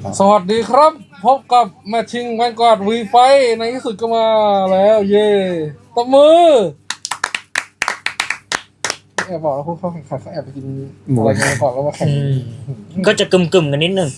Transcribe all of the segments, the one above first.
สวัสดีครับพบกับแมทชิงแวนการ์ดวีไฟในที่สุดก็มาแล้วเย่ตบมือแอบบอกแล้วพวกเขาแข่งขันเขาแอบไปกินหมูอะไรกันก่อนแล้วมาแข่งก็จะกึ่มๆกันนิดนึง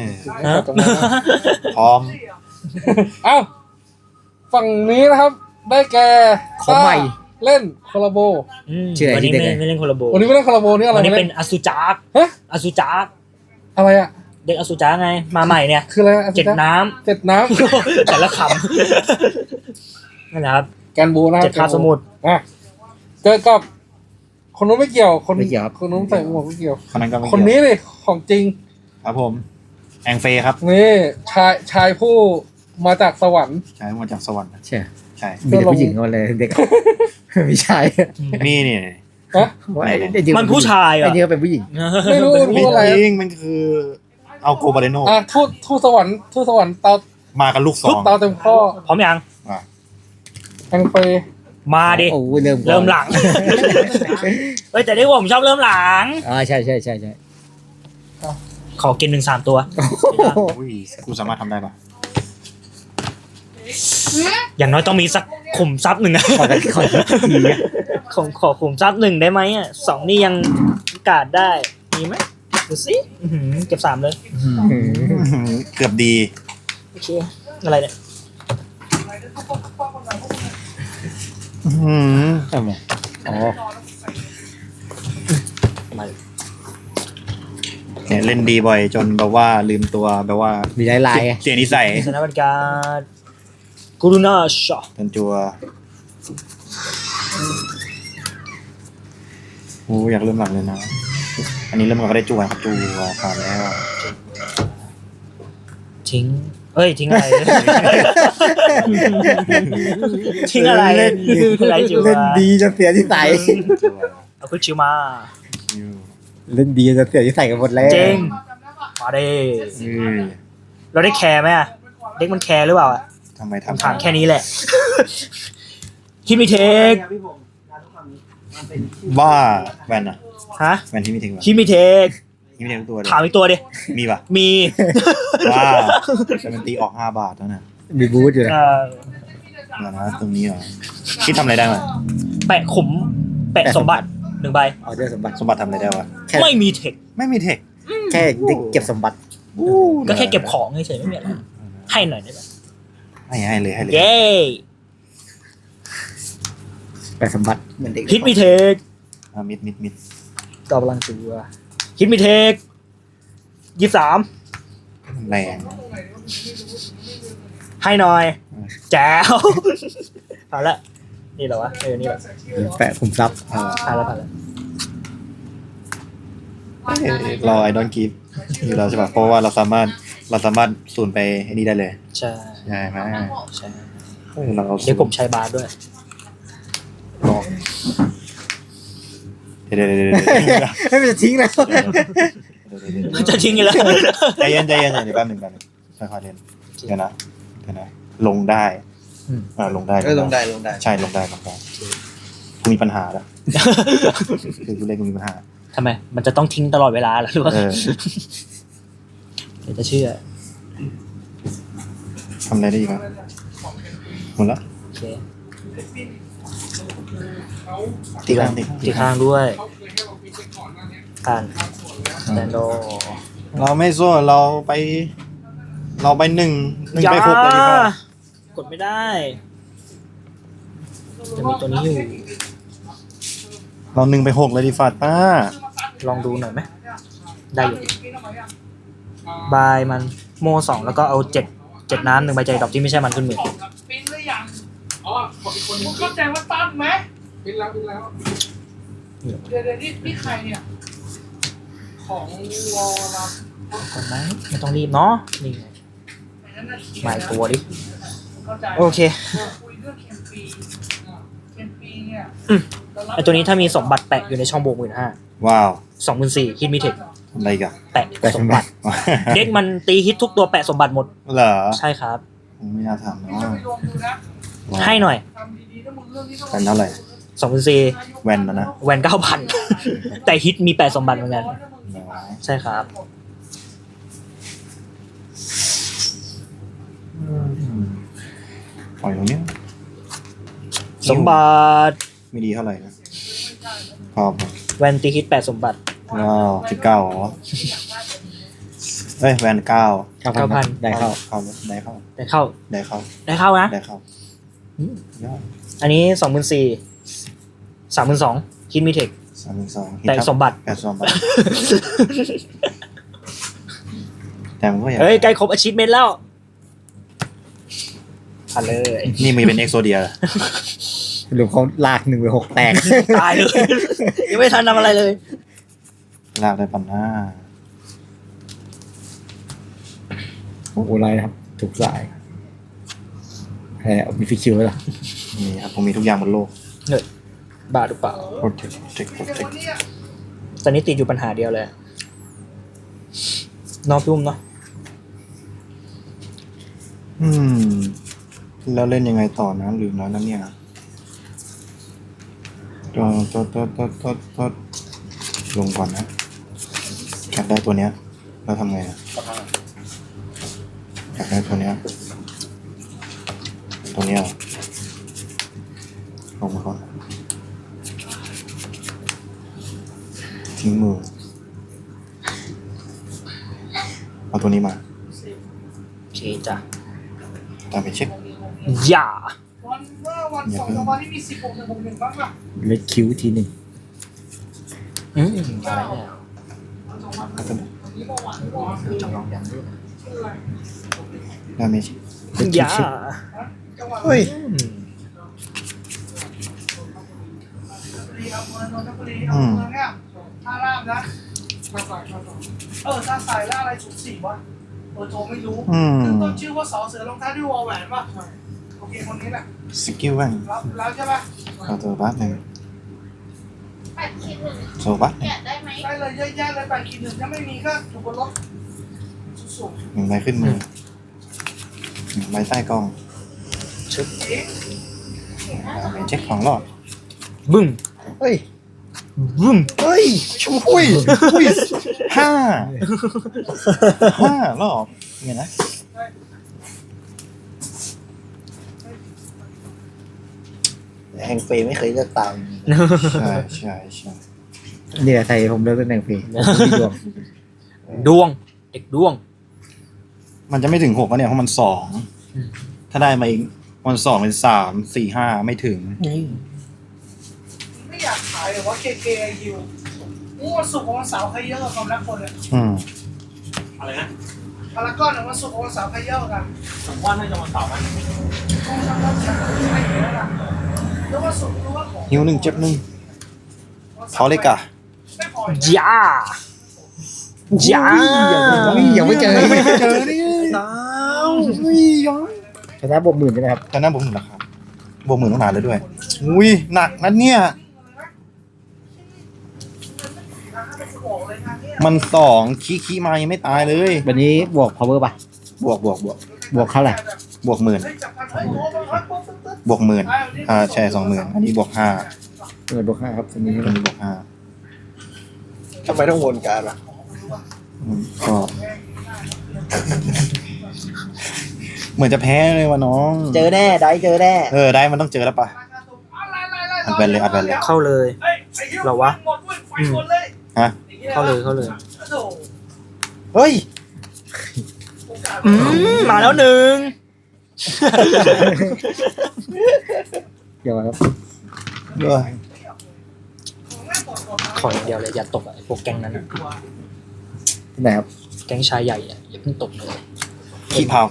พร้อมเอ้าฝั่งนี้นะครับได้แก่ของใหม่เล่นคอลลาโบชื่ออะไรวันนี้ที่เด็กไม่เล่นโคลาโบวันนี้ไม่เล่นคอลลาโบนี่อะไรวันนี้เล่เป็นอสุจักฮะอสุจักอะไรอ่ะเด็กอสุจักไงมาใหม่เนี่ยคืออะไรอะเจ็ดน้เจ็ดน้ำ แต่ละคำนั่นแหละครับำแกนบูนะเจ็ดคาบสมุทรอ่ะเจอกับคนนู้นไม่เกี่ยวคนไม่เกี่ยวครับคนนู้นใส่หมวกไม่เกี่ยวคนนั้นก็ไม่คนนี้เลยของจริงครับผมแองเฟย์ครับนี่ชายผู้มาจากสวรรค์ใช่มาจากสวรรค์ใช่ใช่มีแต่ผู้หญิงกันเลยเด็ก ไม่ใช่นี่นี่ฮะว่าไอ้เด็กมันผู้ชายไอ้อ่ะนี่ก็เป็นผู้หญิงไม่รู้ไม่พูดอะไรจริงมันคือเอาโกบาเลโนทูตสวรรค์เตามากันลูกซองเตาเต็มข้อพร้อมยังอ่ะแองเปมาดิโอ้เริ่มก่อนเริ่มหลัง เฮ้ยแต่ที่ผมชอบเริ่มหลังใช่ใช่ใช่ใช่ขอกิน1-3 ตัวอุ้ยกูสามารถทำได้ปะอย่างน้อยต้องมีสักขุมทรัพย์หนึ่งอะขอกันขอทีอะขอขุมทรัพย์1ได้ไหมอ่ะ2นี่ยังกาดได้มีไหมดูสิอื้อหือเก็บ3เลยเกือบดีโอเคอะไรเนี่ยทำไมอ๋อมาเนี่ยเล่นดีบ่อยจนแบบว่าลืมตัวแบบว่ามีลายๆไงเสียนิสัยสถานการณ์กูรูนาชอจนจัวโอ้อยากเริ่มหลังเลยนะ อันนี้เริ่มก่อนก็ได้จัวครับจัวผ่านแล้วทิ้งเอ้ยทิ้งอะไร ทิ้งอะไรเล่นอะไรจิ๋วเล่นดีจนเสียที่ใส่จัวเอาคุณชิวมาอยู่เล่นดีจนเสียที่ใส่กันหมดแล้วเจงมาดิอืมเราได้แคร์ไหมอะเด็กมันแคร์หรือเปล่าอะทำไมผมทำถามแค่นี้แหละ คิมิเทคบ้าแวนอะฮะแวนที่มีถึงวะคิมิเทคที่มีถึงตัวเลยถามอีกตัวดิมีปะมีว้าแต่มันตีออก5 บาทแล้วนะมีบูธอยู่นะเอ่อเดี๋ยวนะตรงนี้เหรอคิดทำอะไรได้วะแปะขุม แปะสมบัติ1 ใบออเดอร์สมบัติสมบัติทำอะไรได้วะแค่ไม่มีเทคไม่มีเทคแค่เก็บสมบัติก็แค่เก็บของเฉยๆไม่มีอะไรให้หน่อยได้ไหมให้เลยให้เลยเย้แปะสมบัติเหมือนเด็กฮิตมีเทคมิดต่อพลังตัวฮิตมีเทค23 แรงให้หน่อย แจ๋ว เอาละนี่เหรอวะนี่แหละแปะคุมทรัพย์ผ่านแล้วรอไอดอนกีฟอยู่แล้วใช่ป่ะเพราะว่าเราสามารถสูนไปไอ้นี่ได้เลยใช่ใช่ไหมใช่เราเดี๋ยวผมใช้บาร์ด้วยลองเดี๋ยวไม่เป็นจะทิ้งแล้วจะทิ้งกันแล้วใจเย็นเดี๋ยวแป๊บหนึ่งค่อยๆเล่นเดี๋ยวนะลงได้ลงได้ลงได้ใช่ลงได้กูมีปัญหาแล้วคือกูเล่นกูมีปัญหาทำไม มันจะต้องทิ้งตลอดเวลาเหรอหรือว่า เดี๋ยวจะเชื่อทำอะไรได้อีกครับหมดละโอเคตีข้างตีข้างด้วยผ่านแดนโดเราไม่สู้เราไปหนึ่งไปหกเลยดีกว่ากดไม่ได้ จะมีตัวนี้อยู่เรา1 ไป 6เลยดีฟาดป้าลองดูหน่อยไหม ได้อยู่บายมันโม2แล้วก็เอา7น้ำ1 ใบใจดอกที่ไม่ใช่มันขึ้นมือปิ้นหรือยังอ๋อมึงเข้าใจว่าตั้นไหมปิ้นแล้วเดี๋ยวนี่ใครเนี่ยของวอลลับก่อนไหมไม่ต้องรีบเนาะนี่ไงมาอีกตัวดิเข้าใจโอเคคุยเรื่องเคมปีเนี่ยไอตัวนี้ถ้ามีสมบัติแปะอยู่ในช่องโบก15,000 ว้าว 24,000ฮิตมีเทคทำอะไรกันแปะสมบัติ เด็กมันตีฮิตทุกตัวแปะสมบัติหมดเหรอใช่ครับไม่น่าทำนะจะไปรวมดูนะให้หน่อยทำดีๆถ้ามึงเรื่องนี้ต้องเป็นเท่าไหร่ 24,000 แวนนะแหวน 9,000 แต่ฮิตมีแปะสมบัติเหมือนกันใช่ครับปล่อยตรงเนี้ยสมบัติไม่ดีเท่าไหร่นะพอแวนตีฮิต8 สมบัติว้าว19เหรอเอ้ยแวน9 9,000 ได้เข้าเข้าได้เข้าได้เข้าได้เข้าได้เข้านะได้เข้าอืมยอดอันนี้ 24,000 32,000ฮิตมีเทค 32 แต่สมบัติแต่สมบัติแต่มันก็อยากเฮ้ย ใกล้ครบอาชีพเมนแล้วผ่านเลยนี่มีเป็นเอ็กโซเดียหรือเขาลาก1/6แตกตายเลย ยังไม่ทันทำอะไรเลยลากได้ปันหน้าโอ้โหไรนะครับ ถูกสายแหมมีฟิกคิวไหมล่ะนี่ครับผมมีทุกอย่างบนโลกบาทหรือเปล่าโปรเทคโปรเทคโปรเทคตอนนี้ติดอยู่ปัญหาเดียวเลยนอกรุ่มเนาะแล้วเล่นยังไงต่อนะลืมแล้วนะเนี่ยตัวลงก่อนนะอยากได้ตัวเนี้ยแล้วทำไงอะอยากได้ตัวเนี้ยลงมาก่อนทิ้งมือเอาตัวนี้มาโอเคจ้ะตามไปเช็คอย่าวันเมื่อวันสองสามวันที่มี16-1บ้างป่ะเล็กคิวทีหนึ่งอืมอะไรเนี่ยแล้วก็จำลองอย่างนี้ดาเมจอย่าเฮ้ยอืมนนทบุรีอำเภอเนี่ยท่าราบนะท่าสายล่าอะไร04วะโทรไม่รู้ต้นชื่อว่าสอเสือลงท้ายด้วยวอแหวนป่ะโอเคคนนี้แหละสกิลแว่นรับใช่ป่ะเอาตัวบัสหนึ่ง 8 โซบัสหนึ่งแกะได้ไหมได้เลยเยอะแยะเลย8-1ถ้าไม่มีก็อยู่บนรถสูงหนึ่งใบขึ้นมือหนึ่งใบใต้กล้องชึบดาเมจเช็คของรอดบึ้มเฮ้ยบึ้มเฮ้ยชุย5รอบเนี่ยนะแห่งเฟย์ไม่เคยเลือกตามใช่ใช่เนี่ยใครผมเลือกตำแหน่งเฟย์มีดวงดวง เด็กดวงมันจะไม่ถึง6แล้วเนี่ยเพราะมัน2ถ้าได้มาอีกมัน2เป็น3 4 5ไม่ถึงไม่อยากขายหรือว่า KKU วันศุกร์วันเสาร์ใครเยอะความรักคนเลยอะไรนะพารากอนวันศุกร์วันเสาร์ใครเยอะกันผมว่าน่าจะวันเสาร์นะแล้ววันศุกร์รู้ว่าของหิว1เจ็บ1เขาเลยกะไม่พออย่า อย่ายังไม่เจอนี่น้าวชนะบวก10,000ใช่ไหมครับตอนนั้นบวก10,000ราคาบวก10,000ต้องนานเลยด้วยอุ้ยหนักนะเนี่ยมัน2ขี้มายังไม่ตายเลยวันนี้บวก power ป่ะบวกบวกเท่าไหร่บวก10,000บวก10,000ใช่20,000อันนี้บวก5 บวก5ครับวันนี้อันนี้บวก5 ทำไมต้องวนการล่ะก็เหมือนจะแพ้เลยว่ะน้องเจอแน่ได้เจอแน่ได้มันต้องเจอแล้วปะอัดแบนเลยเข้าเลย เหรอวะฮะเข้าเลยเฮ้ยมาแล้วหนึ่งเดี๋ยวครับขออย่างเดียวเลย อย่าตกอะไอ้พวกแก๊งนั้นอะที่ไหนครับแก๊งชายใหญ่อะอย่าเพิ่งตกเลยขี้เผา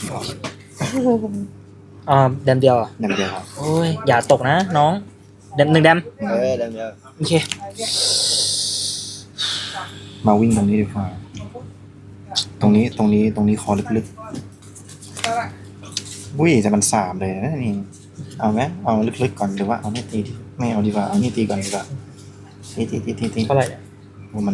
แดมเดียวอะนั่นเดียวครับโอ้ย อย่าตกนะ น้องแดม1 แดมเดี๋ยวโอเคมาวิ่งตรงนี้ดีกว่าตรงนี้คอลึกๆอุ้ยแต่มัน3เลยนะนี่เอาไหมเอาลึกๆก่อนหรือว่าเอาไม่ตีไม่เอาดีกว่าเอานี่ตีก่อนดีกว่าตีเท่าไหร่เนี่ยมัน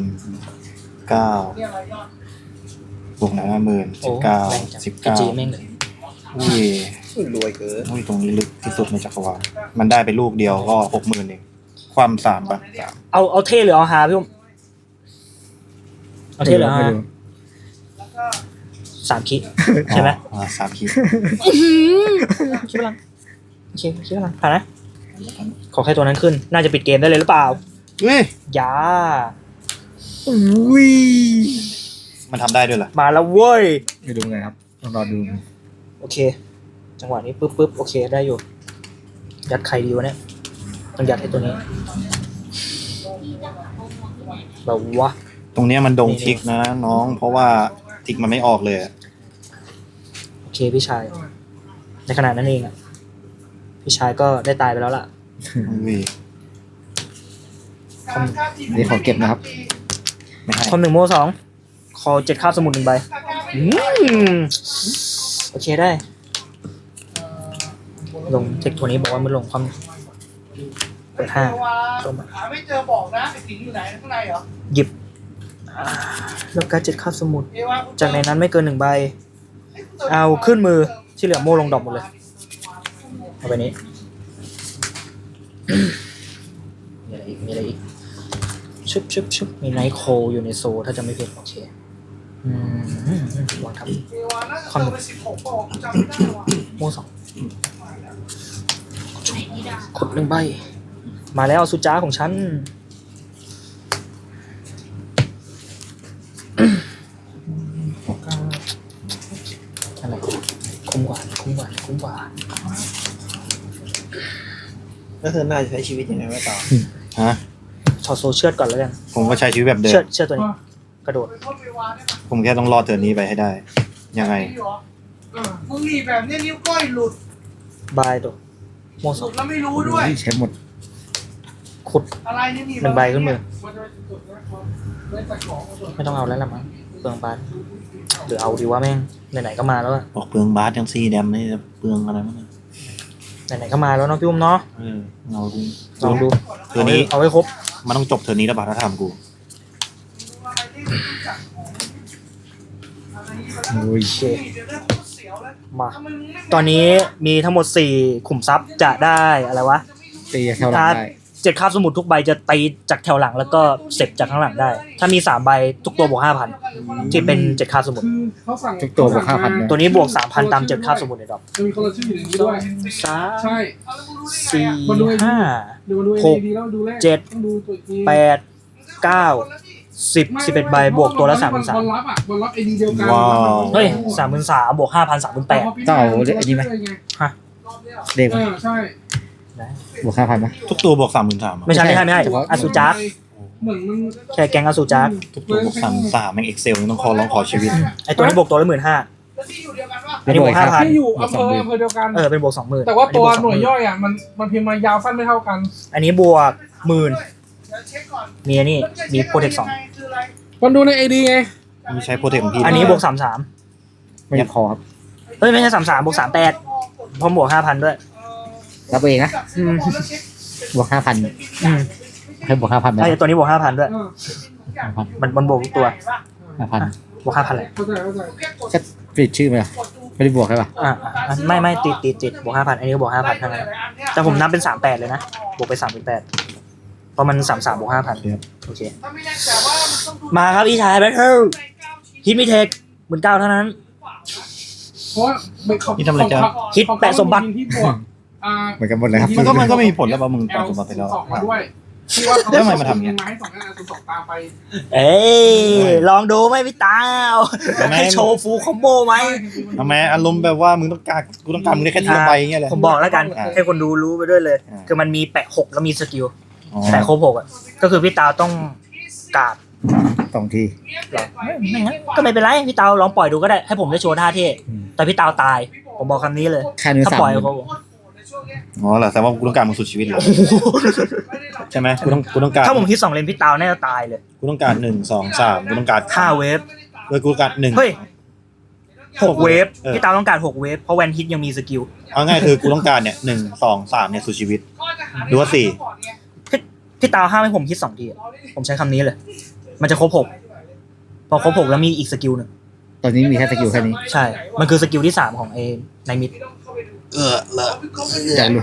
9บวก50,000 โอ้ 19 แรงจังจีแม่งเลยอุ้ยรวยเกินอุ้ยตรงนี้ลึกที่สุดในจักรวาลมันได้ไปลูกเดียวก็60,000เองความ3ป่ะเอาเท่หรือเอาฮาพี่อุ้มเอาเท่หรือเอาฮา 3 คิใช่ไหมอ๋อ3 ขีดคิดพลังโอเคคิดพลังผ่านนะขอแค่ตัวนั้นขึ้นน่าจะปิดเกมได้เลยหรือเปล่าเฮ้ยยาอุ้ยมันทำได้ด้วยเหรอมาแล้วเว้ยไม่ดูไงครับต้องรอดูโอเค จังหวะนี้ปึ๊บโอเคได้อยู่ยัดใครดีวะเนี่ยต้องยัดให้ตัวนี้แบบวะตรงเนี้ยมันดงทิกนะน้องเพราะว่าทิกมันไม่ออกเลยอะโอเคพี่ชายในขณะนั้นเองอ่ะพี่ชายก็ได้ตายไปแล้วล่ะอุ้ยนี่ขอเก็บนะครับไม่ให้คอม1 โม 2คอ7คาบสมุด1 ใบโอเคได้ลงเทคตัวนี้บอกว่ามันลงความเปิด5 หาไม่เจอบอกนะไอ้สิงอยู่ไหนข้างในเหรอหยิบแล้วการ7คาบสมุดเอวาจากในนั้นไม่เกิน1 ใบเอาขึ้นมือที่เหลือโม่ลงดอกหมดเลยเอาไปนี้ มีอะไรอีกชึบมีไนท์โคอยู่ในโซถ้าจะไม่ผิดโอเควางทับเอวาน่าจะเจอไป16บอกจำไม่ได้ว่ะโม่2กด1 ใบมาแล้วสุจ้าของฉันอะไรคุ้มกว่าแล้วเธอน่าจะใช้ชีวิตยังไงไว้ต่อฮะถอดโซเชือดก่อนแล้วกันผมก็ใช้ชีวิตแบบเดิมเชือดตัวนี้กระโดดไปโทษเอวาได้ปะผมแค่ต้องรอดเทิร์นนี้ไปให้ได้ ยังไงมึงหนีแบบนี้นิ้วก้อยหลุดบายตัวโม่หสลุองดแล้วไม่รู้ด้วยใช้หมดขุดอะไรเนี่ยหนี 1 ใบขึ้นมือไม่ต้องเอาแล้วละมั้งเปลืองบาสหรือเอาดีว่าแม่งไหนๆก็มาแล้วอะบอกเปลืองบาสยังซีแดมนี่จะเปลืองอะไรมั้งไหนๆก็มาแล้วเนาะพี่อุ้มเนาะเราดูลองดูเทิร์นนี้เอาไว้ครบมันต้องจบเทิร์นนี้แล้วบาสถ้าทำกูอุ้ยโอเคมาตอนนี้มีทั้งหมด4ขุมทรัพย์จะได้อะไรวะตีแถวหลังได้ 7 คาบสมุดทุกใบจะตีจากแถวหลังแล้วก็เสร็จจากข้างหลังได้ ถ้ามี3 ใบทุกตัวบวก 5,000 ที่เป็น7 คาบสมุดคือเขาสั่งทุกตัวบวก5,000เนี่ยตัวนี้บวก 3,000 ตาม7 คาบสมุดในดอกจะมีคนละชื่ออยู่ในนี้ด้วยสามใช่ 4 5 ดูมาดูหกดีแล้วดูแรกเจ็ดต้องดูตัวอีกที 8 9 10 11 ใบบวกตัวละบอลรับอ่ะบอลรับไอดีเดียวกันว้าว 33,000เฮ้ย 33,000 บวก 5,000 38,000 ต้องเอาไอ้นี่ไหมฮะเด็กเออใช่บวก5,000ไหมทุกตัวบวก33,000 ไม่ใช่อาซูจักเหมือนมันแค่แกงอาซูจักทุกตัวบวก33แม่งเอ็กเซลต้องขอร้องขอชีวิตไอตัวนี้บวกตัวละ 15,000 แล้วที่อยู่เดียวกันว่าอันนี้บวก 5,000 ที่อยู่อำเภอเดียวกันเป็นบวก 20,000 แต่ว่าตัวหน่วยอัย่อยอ่ะมันพิมพ์มายาวสั้นไม่เท่ากันอันนี้บวก 10,000 เดี๋ยวเช็คก่อนมีอันนี้มีโปรเทคคืออะไรมันดูในไอดีไงมีใช้โปรเทคของพี่ 2อันนี้บวกไม่พอครับ 33เฮ้ยไม่ใช่33บวก38พร้อมบวก 5,000 ด้วยรับเองนะบวก5,000 อืมให้บวก5,000ไหมใช่ตัวนี้บวก 5,000 ด้วย มันบวกทุกตัว 5,000 บวก 5,000 เลยเข้าใจแค่ปิดชื่อไหมไม่ได้บวกใช่ป่ะไม่ติดบวก 5,000 อันนี้ก็บวก 5,000 เท่านั้นแต่ผมนับเป็น 38 เลยนะ บวกไป 38เพราะมัน 33บวก 5,000 โอเค มาครับพี่ชายแบทเทิลฮิตมิเทค19,000 เท่านั้นเพราะว่าฮิตแปะสมบัติที่บวกเหมือนกันหมดเลยครับมันก็ไม่มีผลแล้วป่ะมึงตามสมบัติไปแล้วสองมาด้วยที่ว่าแล้วทำไมมาทำอย่างเงี้ยไม้สองอันสองตามไปเอ้ยลองดูไหมพี่ตาวให้โชว์ฟูลคอมโบไหมทำไมอารมณ์แบบว่ามึงต้องการกูต้องการมึงได้แค่ทีละใบอย่างเงี้ยเลยผมบอกแล้วกันอ่าให้คนดูรู้ไปด้วยเลยอ่าคือมันมีแปะ6แล้วมีสกิลอ๋อแปะครบ6อ่ะก็คือพี่ตาวต้องกาด 2 ทีไม่งั้นก็ไม่เป็นไรพี่ตาวลองปล่อยดูก็ได้ให้ผมได้โชว์ท่าเท่แต่พี่ตาวตายผมบอกคำนี้เลยค่าเนื้อถ้า 3 ปล่อยเขาอ๋อเหรอแต่ว่ากูต้องการมึงสุดชีวิตเลยใช่ไหมกูต้องการถ้าผมคิด2 เลนพี่ตาวน่าจะตายเลยกูต้องการ1 2 3กูต้องการ 5 เวฟกูต้องการ1 เฮ้ย6 เวฟเออพี่ตาวต้องการ6 เวฟเพราะแวนฮิตยังมีสกิลเอาง่ายคือกูต้องการเนี่ย1 2 3เนี่ยสุดชีวิต หรือว่า4 พี่ตาวห้ามให้ผมคิด2 ทีอะผมใช้คำนี้เลย มันจะครบ6พอครบ6แล้วมีอีกสกิลหนึ่งตอนนี้มีแค่สกิลแค่นี้ใช่ มันคือสกิลที่3ของเอในมิดเลอะอยากรู้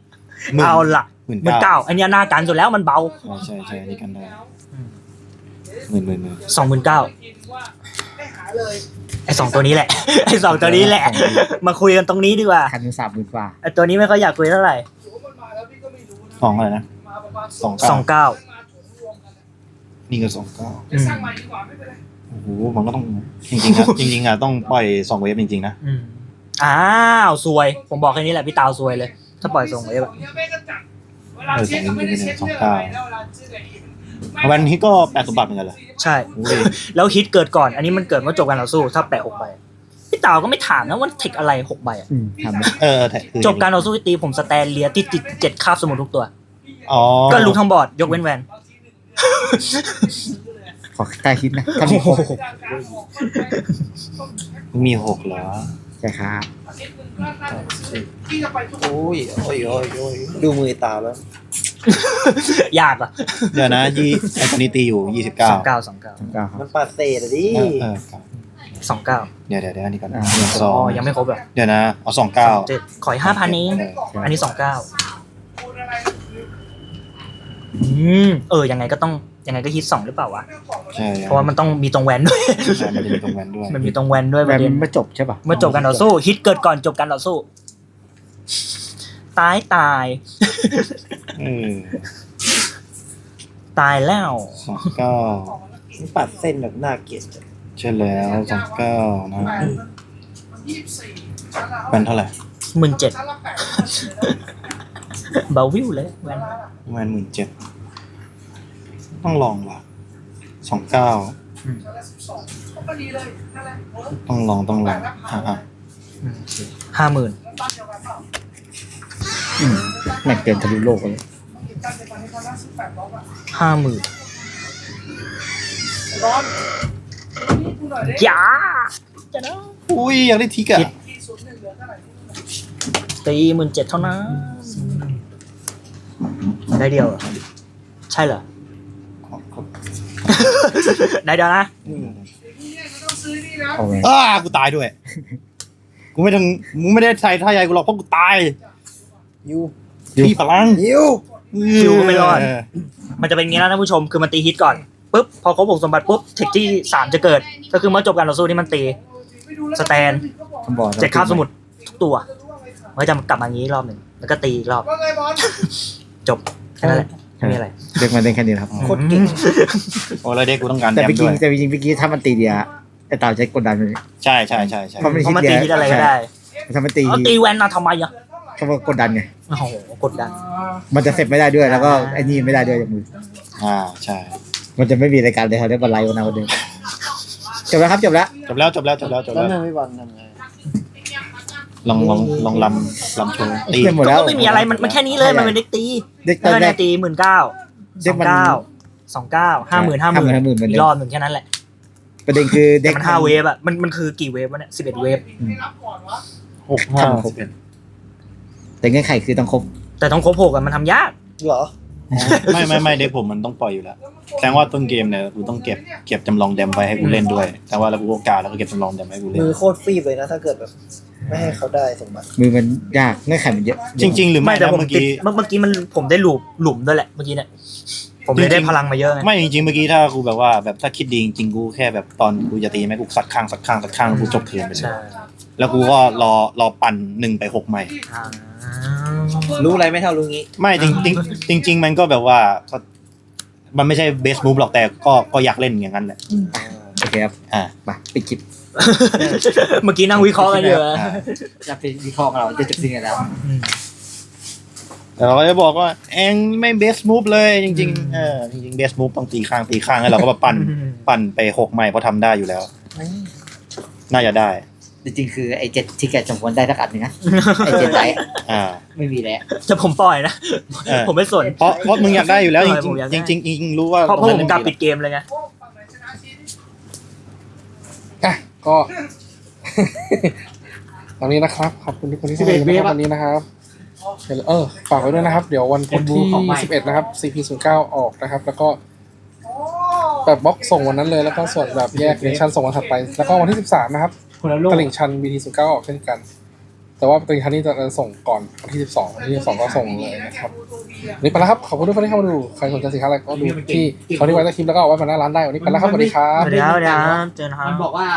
เอาล่ะ 19,000 19,000อันเนี้ยหน้ากันสุดแล้วมันเบาใช่อันนี้กันได้หมื่น 29,000 ให้หาเลยไอ้2ตัวนี้แหละ ไอ้2ตัวนี้แหละ มาคุยกันตรงนี้ดีกว่าคันหนึ่ง30,000กว่าไอ้ตัวนี้ไม่ค่อยอยากคุยเท่าไหร่ถือว่ามันมาแล้วพี่ก็ไม่รู้นะสองอะไรนะมาประมาณสอง 29 มาถุงรวมกันนี่ก็29 จะสร้างใหม่ดีกว่าไม่เป็นไรโอ้โหมันก็ต้องจริงๆนะจริงๆอ่ะต้องปล่อย2 เวฟจริงๆนะอ้าวซวย ผมบอกแค่นี้แหละพี่ตาวซวยเลย ถ้าปล่อยส่งเวฟอะเวลาเช็คก็ไม่ได้เช็คเรื่องอะไรแล้วเวลาซื้ออะไรอีกวันนี้ก็8 สมบัติเหมือนกันเหรอใช่โอ้ยแล้วฮิตเกิดก่อน อันนี้มันเกิดเมื่อจบการต่อสู้ ถ้าแปะ6 ใบ พี่ตาวก็ไม่ถามนะว่าเทคอะไร6 ใบอะทำได้คือจบการต่อสู้ที่ตีผมสแตนเลียติด7คาบสมุนทุกตัวอ๋อก็รู้ทั้งบอร์ดยกเว้นแวนขอใกล้คิดนะถ้ามีครบมี6เหรอใช่ครับที่จะไปทุกโอ้ยดูมือตาแล้วยากอ่ะเดี๋ยวนะไอ้ตัวนี้ตีอยู่29 29 ครับมันปาเศษอะดิ 29 เดี๋ยวอันนี้ก่อนอ่าสออ๋อง ยังไม่ครบอ่ะเดี๋ยวนะเอา29 7ขออีก5,000เองอันนี้ 29ยังไงก็ฮิต2หรือเปล่าวะใช่เพราะว่ามันต้องมีตรงแวนด้วยใช่มันจะมีตรงแวนด้วยมันมีตรงแวนด้วยปแบระบเด็นไม่จบใช่ป่ะเมื่อจบการต่อสู้ฮิตเกิดก่อนจบการต่อสู้ ตาย ตายแล้ว 29 มันปัดเส้นแบบน่าเกลียดจังใช่แล้ว29นะแวนเท่าไหร่ 17,000เบาวิวเลยแวนแวน17,000ต้องลองว่ะ29ต้องลอง 50,000 แม่งเกินทะลุโลกเลย 50,000อย่าจะนะอุ้ยอยากได้ทิกอะตี 17,000เท่านั้นได้เดียวเหรอใช่เหรอ ได้เดียวนะเอาไงกูตายด้วยกูไม่ได้ใส่ท่าใหญ่กูหรอกเพราะกูตายยูที่พลังยูคิวก็ไม่รอด มันจะเป็นอย่างนี้นะท่านผู้ชมคือมันตีฮิตก่อนปุ๊บพอครบ6สมบัติปุ๊บเทคที่3จะเกิดก็คือเมื่อจบการต่อสู้ที่มันตีสแตนคำบอก 7คาบสมุดทุกตัวมันก็จะกลับมาอย่างนี้รอบหนึ่งแล้วก็ตีอีกรอบว่าไงบอลจบแค่นั้นแหละไม่มีอะไรเด็กมันได้แค่นี้ครับโคตรเก่งโอ้แล้วเด็กกูต้องการแต่แดมไปด้กิวน ยแต่จริงๆเมื่อกี้ถ้ามันตีเดียไอ้เต่าใช้กดดันมันใช่เพราะมันเพราะมันตีฮิตอะไรก็ได้ถ้ามันตีเอาตีแวนมาทำไมอ่ะเขาบอกกดดันไงโอ้โหกดดันมันจะเสร็จไม่ได้ด้วยแล้วก็ไอ้นี่ไม่ได้ด้วยจากมือใช่มันจะไม่มีรายการเลยเขาได้บอลไลฟ์วันนั้นวันเดิมจบแล้วครับจบแล้วจบแล้วแล้วนึงพี่บอลทำไงลองลำโชว์ตีเต็มหมดก็แล้วไม่มีอะไรมันแค่นี้เลยมันเป็นเด็กตีเด็กตอนแรเนี่กยตี19,000 เด็กมัน 29,000 50,000 50,000 อีกรอบหนึ่งแค่นั้นแหละประเด็นคือเด็แต่กมัน5เวฟอ่ะมันคือกี่เวฟวะเนี่ย11เวฟแต่เงื่อนไขคือต้องครบแต่ต้องครบ6อ่ะมันทำยากเหรอไม่เด็กผมมันต้องปล่อยอยู่แล้วแสดงว่าต้นเกมเนี่ยกูต้องเก็บจำลองแดมไว้ให้กูเล่นด้วย แต่ว่าแล้วกูก็กาแล้วก็เก็บจำลองแดมให้กูเล่นมือโคตรฟีบเลยนะ ถ้าเกิดแบบไม่ให้เขาได้สมบัติมือมันยากเงื่อนไขมันเยอะจริง ๆ หรือไม่ไม่แต่นะผมเมื่อติดกี้เมื่อกี้มันผมได้หลุมด้วยแหละเมื่อกี้เนี่ยผมเลยได้พลังมาเยอะไงไม่จริงๆเมื่อกี้ถ้ากูแบบว่าแบบถ้าคิดดีจริงๆกูแค่แบบตอนกูจะตีแม่กูสักข้างแล้วกูจบเทิร์นไปเลยใช่แล้วกูก็รอปั่น1 ไป 6ใหม่อ่ารู้อะไรไม่เท่ารู้งี้ไม่จริงมันก็แบบว่ามันไม่ใช่เบสมูฟหรอกแต่ก็อยากเล่นอย่างนั้นแหละโอเคครับอ่ามาปิดคลิปเมื่อกี้นั่งวิเคราะห์กันอยู่อะจะไปวิเคราะห์กันเราจะจบสิ่งกันแล้วอืมแต่เราก็จะบอกว่าเองไม่เบสมูฟเลยจริงๆจริงๆเบสมูฟต้องตีข้างแล้วเราก็มาปั่นไป6ใหม่เพราะทำได้อยู่แล้ว น่าจะได้จริงๆคือไอ้7ที่แกสมควรได้สักอันนึงนะไอ้7ไลท์อ่าไม่มีแล้วจะผมปล่อยนะเออผมไม่สนเพราะมึงอยากได้อยู่แล้วจผมอยากได้ริงๆจริงๆรู้ว่าเพราะผมกลับปิดเกมเลยไงอ่ะก็ ตอนนี้นะครับขอบคุณทุกคนที่เข้ามาดูนะครับวันนี้นะครับฝากไว้ด้วยนะครับ เดี๋ยววันพุธที่11นะครับ CP09 ออกนะครับ แล้วก็แบบบล็อกส่งวันนั้นเลยแล้วก็ส่วนแบบแยกเนชั่นส่งวันถัดไป แล้วก็วันที่13นะครับตลิ่งชัน BT09 ออกเช่นกัน แต่ว่าตลิ่งชันนี้จะส่งก่อนวันที่12วันที่12ก็ส่งเลยนะครับวันนี้ไปแล้วครับขอบคุณทุกคนที่เข้ามาดูใครสนใจสินค้าอะไรก็ดูที่เขาที่ไว้ใต้คลิปแล้วก็เอาไว้มาหน้าร้านได้วันนี้ไปแล้วครับสวัสดีครับสวัสดีครับเจอกันครับมันบอกว่า